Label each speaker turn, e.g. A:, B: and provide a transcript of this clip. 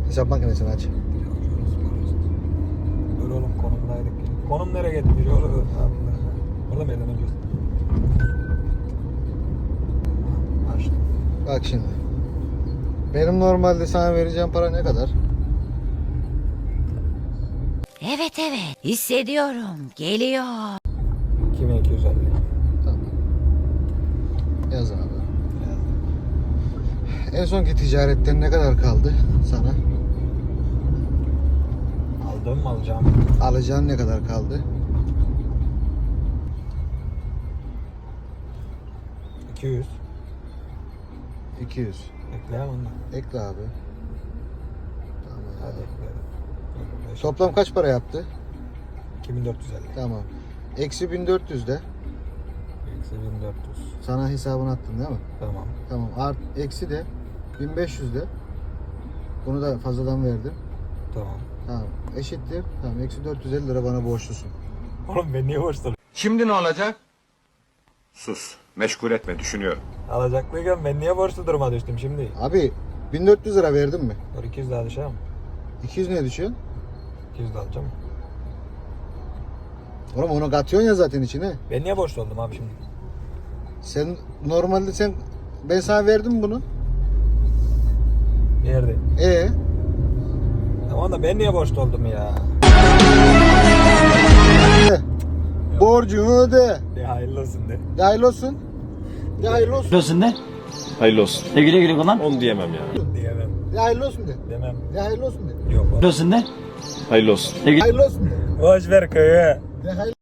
A: Hesap makinesini aç.
B: Dur oğlum konumdaydık. Konum nereye gitti? Orada mı elden önce? Açtım.
A: Bak şimdi. Benim normalde sana vereceğim para ne kadar?
C: Evet hissediyorum geliyor.
B: 2250.
A: Tamam. Yaz abi. En sonki ticaretten ne kadar kaldı sana?
B: Aldım mı alacağım?
A: Alacağın ne kadar kaldı?
B: 200.
A: 200.
B: Ekleyemem onu.
A: Ekle abi. Tamam.
B: Hadi ekleyelim.
A: Toplam kaç para yaptı?
B: 2450.
A: Tamam. Eksi 1400 de.
B: Eksi 1400.
A: Sana hesabını attın değil mi?
B: Tamam.
A: Tamam. Eksi de 1500 de. Bunu da fazladan verdim.
B: Tamam.
A: Tamam. Eşittir. Tamam. Eksi 450 lira bana borçlusun.
B: Oğlum ben niye borçluyum?
D: Şimdi ne olacak?
E: Sus. Meşgul etme. Düşünüyorum.
B: Alacaklıyken ben niye borçlu duruma düştüm şimdi?
A: Abi 1400 lira verdin mi?
B: Dur 200 daha düşer mi?
A: 200 ne düşüyor?
B: 200 daha alacağım.
A: Oğlum onu katıyorsun ya zaten içine.
B: Ben niye borçlu oldum abi şimdi?
A: Sen normalde ben sana verdim bunu.
B: Nerede? Tamam da ben niye borçlu oldum ya?
A: Borcunu öde.
B: De hayırlı olsun de.
A: De hayırlı olsun. De hayırlı olsun.
F: Biliyorsun ne?
E: Hayırlı olsun.
F: Güle güle kullan.
E: Onu diyemem ya.
B: Diyemem.
A: De hayırlı olsun de.
B: Demem.
A: De hayırlı olsun de.
B: Yok.
F: Biliyorsun ne?
E: Hayırlı olsun.
A: Hayırlı olsun de.
B: Boş ver köyü.
A: De hayırlı